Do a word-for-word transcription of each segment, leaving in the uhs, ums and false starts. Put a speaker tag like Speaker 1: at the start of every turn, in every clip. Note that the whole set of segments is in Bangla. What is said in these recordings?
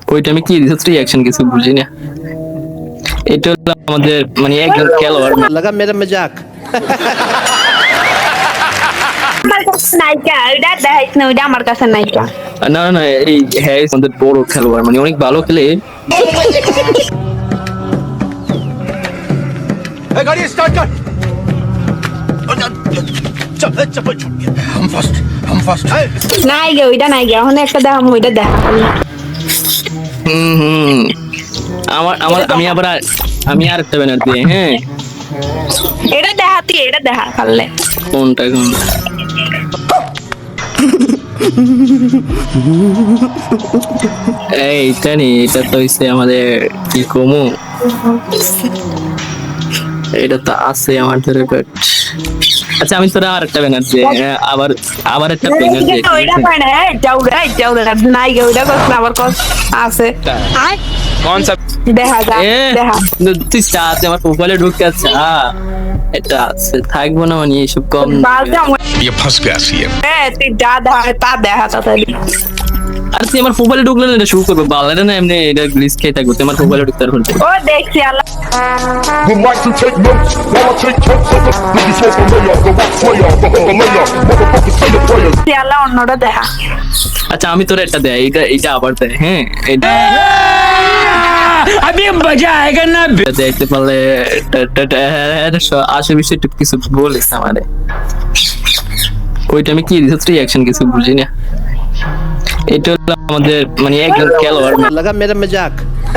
Speaker 1: ওইটা আমি কি দিতে রিঅ্যাকশন কিছু বুঝি না। এটা হলো আমাদের মানে একজন খেলোয়াড়
Speaker 2: लगा मेरा मजाक
Speaker 3: আমার কাছে নায়িকা ওইটা দেখাইছ না, ওইটা আমার কাছে নায়িকা।
Speaker 1: না না না, এই হ্যাঁ আমাদের বড় খেলোয়াড় মানে অনেক ভালো খেলে।
Speaker 2: गाड़ी स्टार्ट कर चप्पल चप्पल छूट गया हम फर्स्ट हम फर्स्ट
Speaker 3: নায়িকা ওইটা নায়িকা, এখন একটা দেখাম, ওইটা দেখা।
Speaker 1: হুম হুম আমার আমার আমি আবার আর- আমি আর একটা ব্যানার দিই। হ্যাঁ
Speaker 3: এটা দেখাতি, এটা দেখা পারলে।
Speaker 1: কোনটা কোন এইটা নি, এটা তো হইছে আমাদের কি কমু, এটা তো আছে আমাদের বাট আচ্ছা আমি তোরা আর একটা ব্যানার দিই। হ্যাঁ, আবার আবার একটা ব্যানার দিই।
Speaker 3: ওইটা পায় না, এইটা ওটা এইটা ওটা নায়িকা ওইটা কস না, আবার কস আছে।
Speaker 4: कौन सा
Speaker 3: দেখা যা
Speaker 1: এ,
Speaker 3: দেখা।
Speaker 1: তুই চাতে আমার প্রোফাইলে ঢুকে আছে। হ্যাঁ এটা আছে, থাকবো না মানে এইসব কম।
Speaker 3: বালটা
Speaker 4: ये फंस गया सीएम
Speaker 3: হ্যাঁ, তুই যা দেখা তা দেখা তাড়াতাড়ি।
Speaker 1: আর তুই আমার প্রোফাইলে ঢুকলে না এটা শুরু করবো, বালাটা না এমনি এটা গ্লিচ খেয়ে থাকবো, তুই আমার প্রোফাইলে ঢুকতে পারবো না।
Speaker 3: ও দেখছি আল্লাহ।
Speaker 5: Would like to take notes while I take totes of the niggas smoke a layer, the rock slayer, the hooker layer, motherfuckers say the prayers.
Speaker 3: দেখছি আল্লাহ, অন্যটা দেখা।
Speaker 1: আচ্ছা আমি তোর একটা দেয়, এটা এটা আবার দেয়। হ্যাঁ এটা
Speaker 4: अभी मजा आएगा ना
Speaker 1: এটা দেখতে পারলে টা- টা- টা- হ্যাঁ, স- আশেপাশে একটু কিছু বলিস আমারে। ওইটা আমি কি দিতে রিঅ্যাকশন কিছু বুঝি না। এটা হলো আমাদের মানে একজন খেলোয়াড়
Speaker 2: लगा मेरा मजाक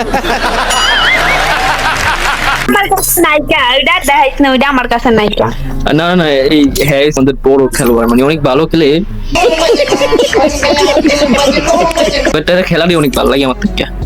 Speaker 3: আমার কাছে নায়িকা ওইটা দেখাইছ না, ওইটা আমার কাছে নায়িকা।
Speaker 1: না না না, এই হ্যাঁ আমাদের বড় খেলোয়াড় মানে অনেক ভালো খেলে। এটা খেলারই অনেক ভালো লাগে আমার থেকে।